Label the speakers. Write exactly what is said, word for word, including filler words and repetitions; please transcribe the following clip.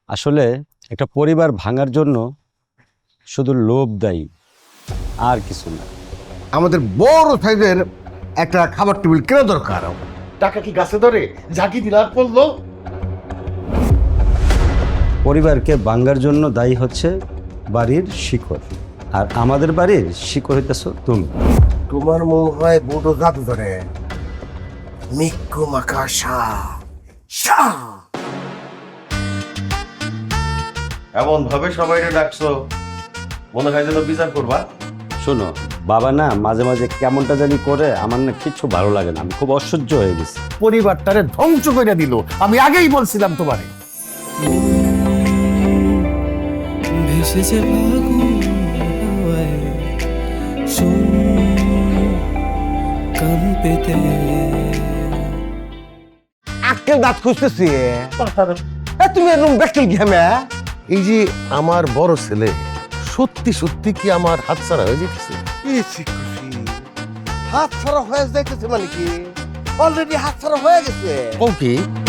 Speaker 1: আসলে একটা পরিবার ভাঙার জন্য শুধু লোভ দায়ী, আর কিছু না।
Speaker 2: আমাদের বড় সাইজের একটা খাবার টেবিল কেনা দরকার।
Speaker 3: টাকা কি গাছে ধরে ঝাঁকি দিলার পড়লো?
Speaker 1: পরিবারকে ভাঙার জন্য দায়ী হচ্ছে বাড়ির শিকড়, আর আমাদের বাড়ির শিকড় হইতেছ তুমি।
Speaker 2: তোমার মনে হয় বড় জাদু ধরে মিক্কু মাকা শাহ শাহ।
Speaker 3: এমন ভাবে সবাই ডাকছো মনে হয় যেন বিচার করবা।
Speaker 1: শোনো বাবা না মাঝে মাঝে কেমনটা জানি করে, আমার না কিছু ভালো লাগে না, আমি খুব অসহ্য হয়ে গেছি।
Speaker 2: পরিবারটারে ধ্বংস করে দিল। আমি আগেই বলছিলাম তোমারে।
Speaker 4: ভেসেছে ফাগুন হাওয়ায়, শোন কান পেতে।
Speaker 2: আজকে দাঁত খুঁজতেছি। এ, তুমি এরকম ব্যাকটেল ঘেমে। এই যে আমার বড় ছেলে সত্যি সত্যি কি আমার হাতছাড়া হয়ে যেতেছে? হাত ছাড়া হয়ে যাইতেছে মানে কি? অলরেডি হাত ছাড়া হয়ে গেছে। ও কি?